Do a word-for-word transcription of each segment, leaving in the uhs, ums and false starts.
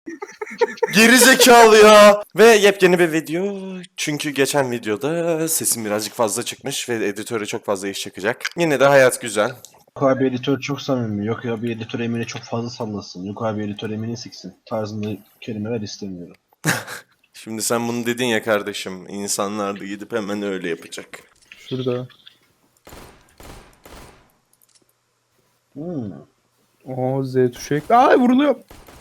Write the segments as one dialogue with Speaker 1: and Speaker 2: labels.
Speaker 1: Geri zekalı ya. Ve yepyeni bir video. Çünkü geçen videoda sesim birazcık fazla çıkmış ve editöre çok fazla iş çıkacak. Yine de hayat güzel.
Speaker 2: Yok abi editör çok samimi. Yok abi editör Emine çok fazla sallasın. Yok abi editör Emine siksin. Tarzında kelimeler istemiyorum.
Speaker 1: Şimdi sen bunu dedin ya kardeşim. İnsanlar da gidip hemen öyle yapacak.
Speaker 3: Şurada.
Speaker 2: Hmm.
Speaker 3: Oo Z tuşu ekle. Ay vuruluyor.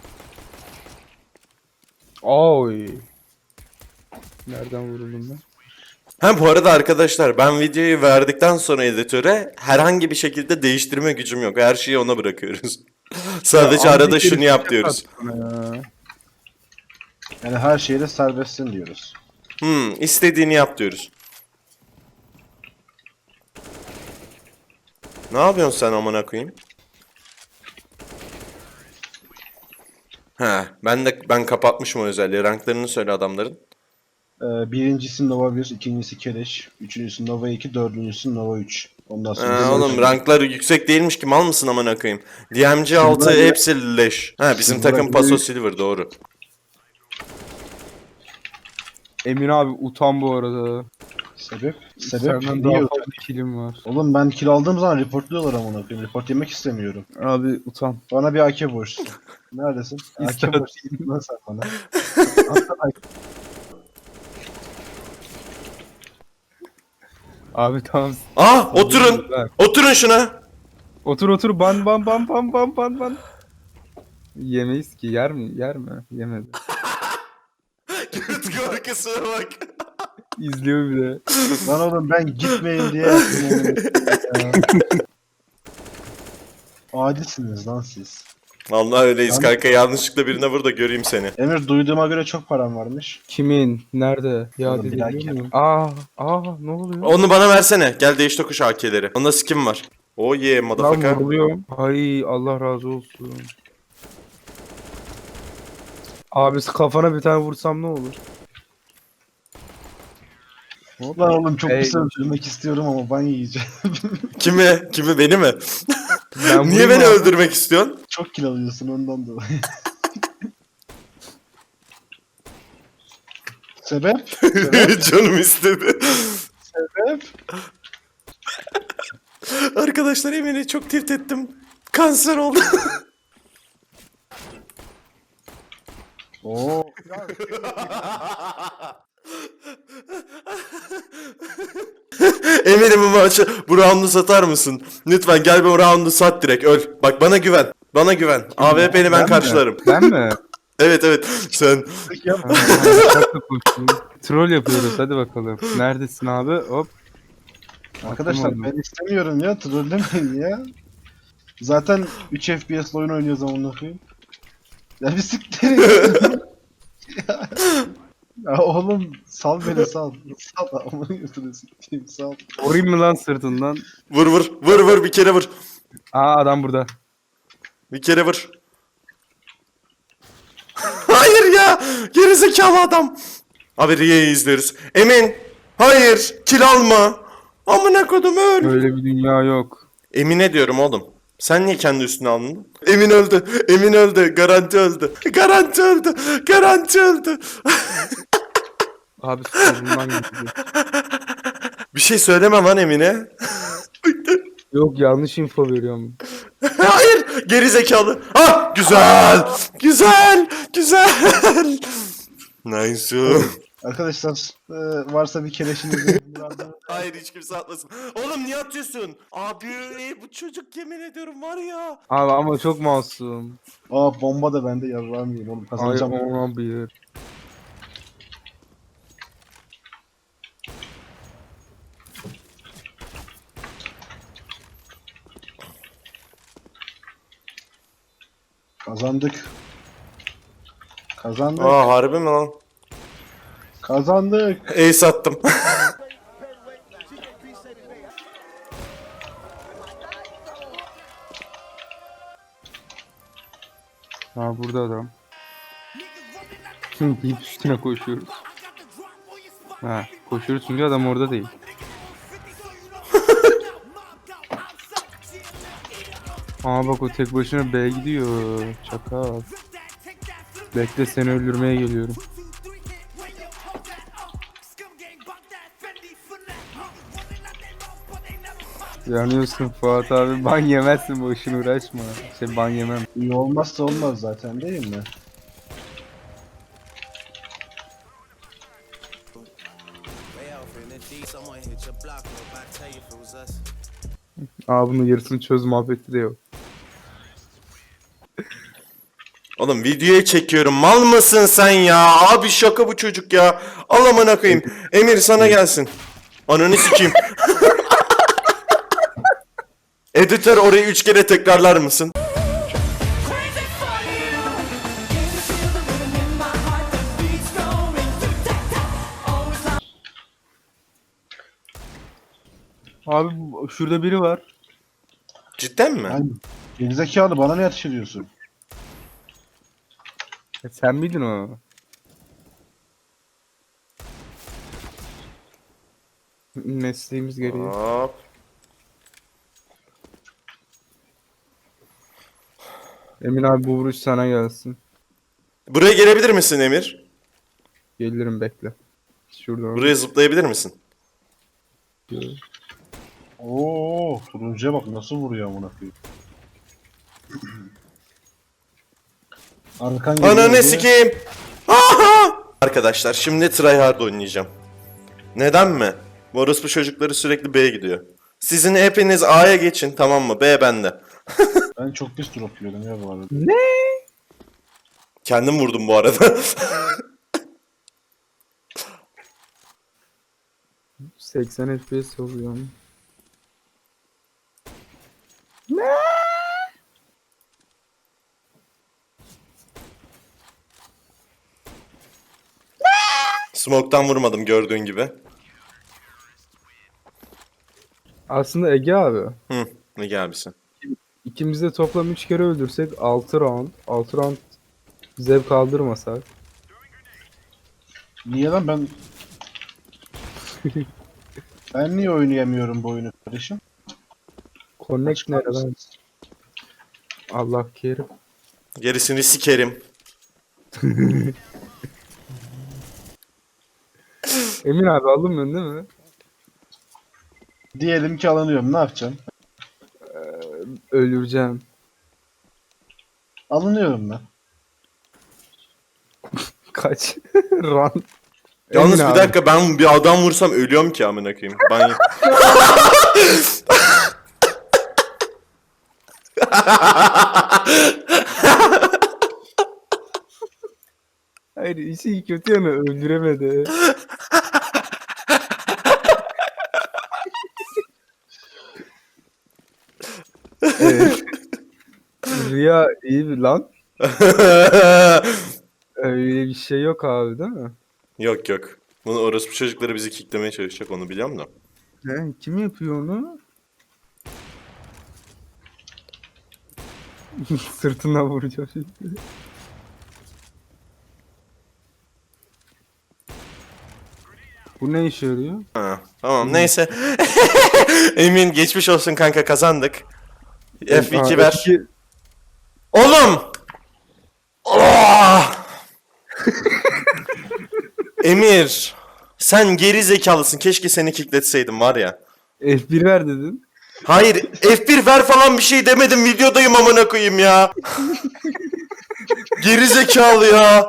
Speaker 3: Oy. Nereden vuruldum ben?
Speaker 1: Ha bu arada arkadaşlar ben videoyu verdikten sonra editöre herhangi bir şekilde değiştirme gücüm yok. Her şeyi ona bırakıyoruz. Sadece
Speaker 3: Ya,
Speaker 1: arada
Speaker 3: antik
Speaker 1: şunu
Speaker 3: herif
Speaker 1: yap
Speaker 3: şaka
Speaker 1: diyoruz.
Speaker 3: attı bana ya.
Speaker 2: Yani her şeyde serbestsin diyoruz.
Speaker 1: Hmm, istediğini yap diyoruz. Ne yapıyorsun sen amına koyayım? He, ben de ben kapatmışım o özelliği. Ranklarını söyle adamların.
Speaker 2: Ee, birincisi Nova bir, ikincisi Keleş, üçüncüsü Nova iki, dördüncüsü Nova üç. Ondan
Speaker 1: Ee,
Speaker 2: sonra da
Speaker 1: oğlum ranklar yüksek değilmiş ki mal mısın amına koyayım? D M G altı
Speaker 2: Silver-
Speaker 1: hepsi leş. Ha bizim
Speaker 2: Silver-
Speaker 1: takım Paso Silver doğru.
Speaker 3: Emin abi utan bu arada.
Speaker 2: Sebep? Sebep?
Speaker 3: Senden
Speaker 2: Niye
Speaker 3: daha
Speaker 2: yok?
Speaker 3: fazla kilim var.
Speaker 2: Oğlum ben kill aldığım zaman reportluyorlar amına koyayım. Report yemek istemiyorum.
Speaker 3: Abi utan.
Speaker 2: Bana bir A K borçlusun. Neredesin? A K
Speaker 3: İster-
Speaker 2: borçlusun lan sen bana. Aslında
Speaker 3: Abi tamam.
Speaker 1: Ah oturun.
Speaker 3: Bak.
Speaker 1: Oturun şuna.
Speaker 3: Otur otur ban ban ban ban ban ban ban. Yemeyiz ki yer mi? Yer mi? Yemedi.
Speaker 1: Göt korkusuna bak.
Speaker 3: İzliyor bir de.
Speaker 2: Lan oğlum ben gitmeyin diye yaptım onu. Ya. Adilsiniz lan siz.
Speaker 1: Vallahi öyleyiz
Speaker 2: Lan-
Speaker 1: kanka yanlışlıkla birine vur da göreyim seni.
Speaker 2: Emir duyduğuma göre çok param varmış.
Speaker 3: Kimin? Nerede? Ya
Speaker 2: Oğlum, bir
Speaker 3: biliyor
Speaker 2: dakika.
Speaker 3: muyum? Aa, aa ne oluyor?
Speaker 1: Onu bana versene. Gel değiş tokuş A K'leri. Onda skin var. Oh yeah
Speaker 3: Lan
Speaker 1: motherfucker.
Speaker 3: vuruluyorum. Ay Allah razı olsun. Abisi kafana bir tane vursam ne olur?
Speaker 2: Lan oğlum çok
Speaker 3: Ey.
Speaker 2: kısa öldürmek istiyorum ama ban yiyeceğim.
Speaker 1: Kimi? Kimi beni mi?
Speaker 3: Ben
Speaker 1: Niye
Speaker 3: vurayım
Speaker 1: beni
Speaker 3: abi.
Speaker 1: öldürmek istiyorsun?
Speaker 2: Çok kill alıyorsun ondan dolayı. Sebep?
Speaker 1: Canım istedi.
Speaker 2: Sebep?
Speaker 1: Arkadaşlar Emin'i çok tilt ettim. Kanser oldu.
Speaker 2: Oo.
Speaker 1: Emin'im bu maçı bu roundu satar mısın? Lütfen gel bu roundu sat direkt öl. Bak bana güven. Bana güven. A W P'ni ben
Speaker 3: Ben mi?
Speaker 1: karşılarım.
Speaker 3: Ben mi?
Speaker 1: Evet evet sen.
Speaker 3: Ha, ha, çok da koştum. Troll yapıyoruz hadi bakalım. Neredesin abi? Hop.
Speaker 2: Arkadaşlar
Speaker 3: Atamadım.
Speaker 2: ben istemiyorum ya. Trollemeyin ya. Zaten üç F P S oyun oynuyoruz amına koyayım. Ya bir siktir. ya. ya oğlum sal beni sal. Sal amına götürüyorsun. Sal.
Speaker 3: Vurayım mı lan sırtından?
Speaker 1: Vur vur vur vur bir kere vur.
Speaker 3: Aa adam burada.
Speaker 1: Bir kere vur. Hayır ya. Gerizekalı adam. Abi Riye'yi izliyoruz. Emin. Hayır. Kill alma. Amına kodum öl.
Speaker 3: Öyle bir dünya yok.
Speaker 1: Emine diyorum oğlum. Sen niye kendi üstüne aldın? Emin öldü. Emin öldü. Garanti öldü. Garanti öldü. Garanti öldü.
Speaker 3: Abi solundan gitti.
Speaker 1: Bir şey söyleme lan Emine.
Speaker 3: Yok yanlış info veriyorum.
Speaker 1: Hayır. Geri zekalı. Ah güzel. Güzel. Güzel. Nice.
Speaker 2: Arkadaşlar e, varsa bir keleşiniz
Speaker 1: Hayır hiç kimse atmasın. Oğlum niye atıyorsun? Abi bu çocuk yemin ediyorum var ya.
Speaker 3: Abi ama çok masum.
Speaker 2: Aa bomba da bende yarrağım yiyeyim oğlum
Speaker 3: Ay
Speaker 2: kazanacağım.
Speaker 3: ona bir.
Speaker 2: Kazandık. Kazandık.
Speaker 1: Aa harbi mi lan?
Speaker 2: Kazandık.
Speaker 1: Ace attım.
Speaker 3: Ha burada adam. Şimdi deyip üstüne koşuyoruz. Ha koşuyoruz çünkü adam orada değil. Aa bak o tek başına B gidiyor. Çakal. Bekle seni öldürmeye geliyorum. Yanıyorsun Fuat abi. Ban yemezsin, boşuna uğraşma. Şey ban yemem.
Speaker 2: İyi olmazsa olmaz zaten değil mi?
Speaker 3: Aa bunun yarısını çöz muhabbeti de yok.
Speaker 1: Oğlum videoya çekiyorum. Mal mısın sen ya? Abi şaka bu çocuk ya. Al amına koyayım. Emir sana gelsin. Ananı sikeyim. Editör orayı üç kere tekrarlar mısın?
Speaker 3: Abi bu- şurada biri var.
Speaker 1: Cidden mi?
Speaker 2: Hani gerizekalı bana ne yatış ediyorsun?
Speaker 3: E, sen miydin o? Mesleğimiz gereği.
Speaker 1: Hop.
Speaker 3: Emin abi bu vuruş sana gelsin.
Speaker 1: Buraya gelebilir misin Emir?
Speaker 3: Gelirim bekle. Şuradan.
Speaker 1: Buraya zıplayabilir misin?
Speaker 2: Oo, turuncuya bak nasıl vuruyor amına koyayım. Arkan geliyor
Speaker 1: Ananı
Speaker 2: diye-
Speaker 1: sikeyim. Aha! Arkadaşlar şimdi tryhard oynayacağım. Neden mi? Bu orospu çocukları sürekli B'ye gidiyor. Sizin hepiniz A'ya geçin, tamam mı? B bende.
Speaker 2: Ben çok pis drop yiyordum ya bu arada.
Speaker 3: Ne?
Speaker 1: Kendim vurdum bu arada.
Speaker 3: seksen F P S oluyor.
Speaker 1: Smoke'tan vurmadım gördüğün gibi.
Speaker 3: Aslında Ege abi.
Speaker 1: Hı, ne gelmişsin?
Speaker 3: İkimiz de toplam üç kere öldürsek altı round. altı round zevk aldırmasak.
Speaker 2: Niye lan ben... Ben niye oynayamıyorum bu oyunu kardeşim?
Speaker 3: Connect nereden? Allah kerim.
Speaker 1: Gerisini sikerim.
Speaker 3: Emin abi alınmıyorsun değil mi?
Speaker 2: Diyelim ki alınıyorum, ne yapacağım?
Speaker 3: Öldüreceğim.
Speaker 2: Alınıyorum ben.
Speaker 3: Kaç. Run.
Speaker 1: Yalnız
Speaker 3: Emin
Speaker 1: bir
Speaker 3: abi.
Speaker 1: dakika, ben bir adam vursam ölüyorum ki amına koyayım. Ben
Speaker 3: Hayır işi kötü yanı öldüremedi. Evet. Rüya iyi bir lan. Öyle bir şey yok abi değil mi?
Speaker 1: Yok yok. Bunu orospu çocukları bizi kicklemeye çalışacak, onu biliyorum da.
Speaker 3: He, kim yapıyor onu? Sırtına vuracağım şimdi. Bu ne işe yarıyor?
Speaker 1: Ha, tamam neyse. Emin geçmiş olsun kanka, kazandık. F iki
Speaker 3: Aa,
Speaker 1: ver.
Speaker 3: F iki.
Speaker 1: Oğlum! Oh! Emir! Sen geri zekalısın. Keşke seni kickletseydim var ya.
Speaker 3: F bir ver dedin.
Speaker 1: Hayır, F bir ver falan bir şey demedim. Videodayım amına koyayım ya. Geri zekalı ya.